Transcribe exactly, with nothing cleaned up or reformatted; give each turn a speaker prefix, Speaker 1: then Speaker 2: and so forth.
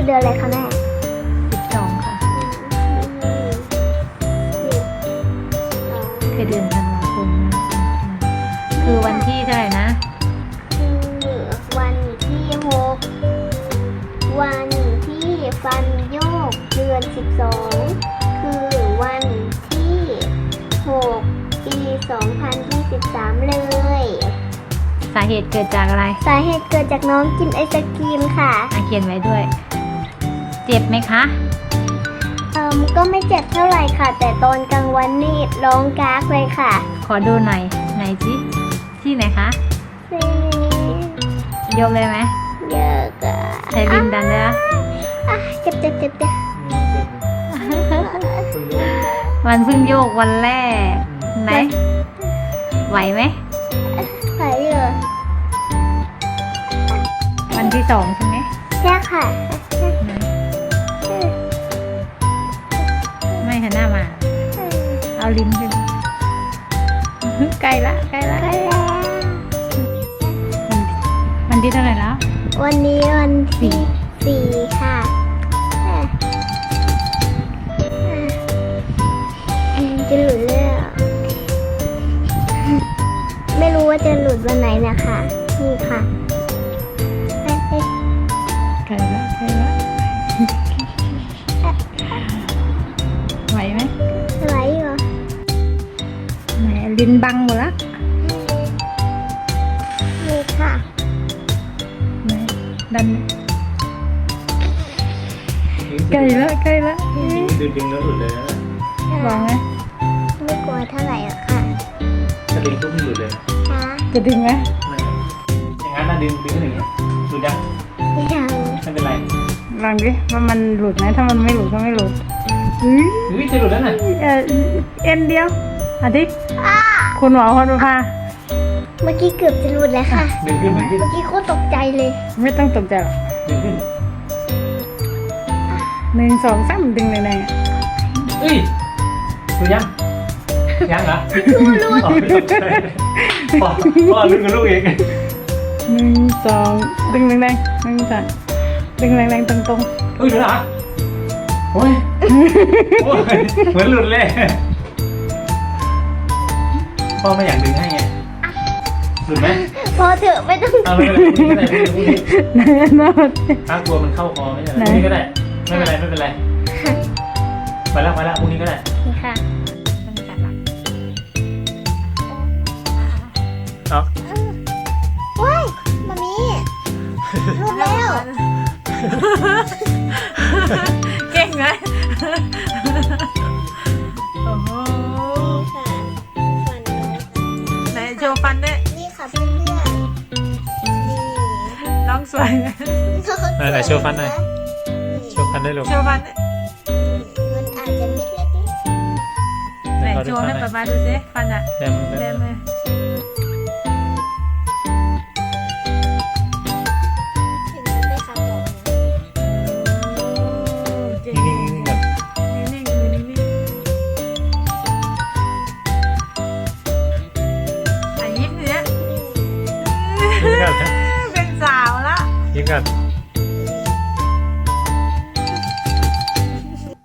Speaker 1: เดือนอะไรคะแม่
Speaker 2: สิบสองค่ะคือเดือนธันวาคมคือวันที่เท่าไหร่นะ
Speaker 1: คือวันที่หกวันที่ฟันโยกเดือนสิบสองคือวันที่หกปีสองพันยี่สิบสามเลย
Speaker 2: สาเหตุเกิดจากอะไร
Speaker 1: สาเหตุเกิดจากน้องกินไอศกรีมค่ะ
Speaker 2: อ่ะเขียนไว้ด้วยเจ็บไหมคะ
Speaker 1: เอ่อก็ไม่เจ็บเท่าไหร่ค่ะแต่ตอนกลางวันนี่ร้องกากเลยค่ะ
Speaker 2: ขอดูหน่อยไหนสิที่ไหนคะยกเลยไหม
Speaker 1: เยอะกะ
Speaker 2: ใช้ลิ้นดันเลยอ่ะ
Speaker 1: เจ็บเจ็บเจ็บเจ็บ
Speaker 2: วันเพิ่งโยกวันแรกไหนไหวไหม
Speaker 1: ไหวเลย
Speaker 2: วันที่สองใช่ไหม
Speaker 1: ใช่ค่ะ
Speaker 2: ไม่หันหน้ามาเอาลิ้นขึ้นใกล้ละใกล้ละ
Speaker 1: ใกล้แล้ว
Speaker 2: วันที่เท่าไหร่แล้ว
Speaker 1: วันนี้วันที่สี่ค่ะจะหลุดแล้วไม่รู้ว่าจะหลุดวันไหนนะคะนี่ค่ะ
Speaker 2: ใกล้ละใกล้ละไหวไหม
Speaker 1: ไหวอยู่
Speaker 2: ไหนลิ้นบังหมดละ
Speaker 1: นี่ค่ะ
Speaker 2: ไหนดันใกล้ละใกล้ละ
Speaker 3: ดึงดึงแล้วหลุดเลยนะ
Speaker 2: วางไหม
Speaker 1: ไม่กลัวเท่าไหร่หรอกค่ะ
Speaker 3: ถ้าดึงปุ๊บมันหลุดเลย
Speaker 1: ค่ะ
Speaker 2: จะดึงไหม
Speaker 3: ไม่อย่างนั้นนะดึงดึงอย่างเงี้ยหลุดยัง
Speaker 1: ยัง
Speaker 3: ไม่เป็นไร
Speaker 2: ลองดิว่ามันหลุดไหมถ้ามันไม่หลุดก็ไม่หลุด
Speaker 3: เฮ้ยจะหลุดแล้วน่ะ
Speaker 2: เออเอ็นเดียวอาทิตย์คุณหมอคนพา
Speaker 1: เมื่อกี้เกือบจะหลุดแล้วค่ะ
Speaker 3: ดึงขึ้นดึงขึ้น
Speaker 1: เมื่อกี้โคตรตกใจเลย
Speaker 2: ไม่ต้องตกใจหรอก
Speaker 3: ดึงขึ้น
Speaker 2: หนึ่งสองสามดึงแรง
Speaker 3: เฮ้ยหลุดยังยังเหรอ
Speaker 1: รู้
Speaker 3: อ๋อไม่ตกใจพ่อพ่อลุ้นกับลูกเอง
Speaker 2: หนึ่งสองดึงแรงๆหนึ่งสองดึงแรงๆตรง
Speaker 3: ๆเฮ้ยหลุดเหรอโอ้ยโอ้ยเหมือนหลุดเลยพ่อไม่อยากดึงให้ไงหลุดไหม
Speaker 1: พอเถอะไม่ต้อง
Speaker 3: เอาไม่เป็นไรพรุ่งนี้ก็ได้พรุ่งนี้
Speaker 2: ไหนนะ
Speaker 3: ถ้ากลัวมันเข้าคอไม่ใช่พรุ่งนี้ก็ได้ไม่เป็นไรไม่เป็นไรไปแล้วไปแล้วพรุ่งนี้ก็ได้
Speaker 1: ค่ะ
Speaker 3: เอา
Speaker 1: ว้ายมามีหลุดแล้ว
Speaker 2: เก่งไหมโอ้โหไหนโชว์ฟันด้วย
Speaker 1: นี่ค่ะเพื่อนๆนี่
Speaker 2: น้องสวย
Speaker 3: ไหนโชว์ฟันหน่อยโชว์ฟันได้หรือ
Speaker 2: โชว์ฟัน
Speaker 1: มันอาจจะมิดเล็ก
Speaker 2: ไหนโชว์ให้ป๊าป๊าดูสิฟันอ่ะ
Speaker 3: แดม
Speaker 2: แดมเลยเป็นสาวละ
Speaker 3: ยิ้มกัน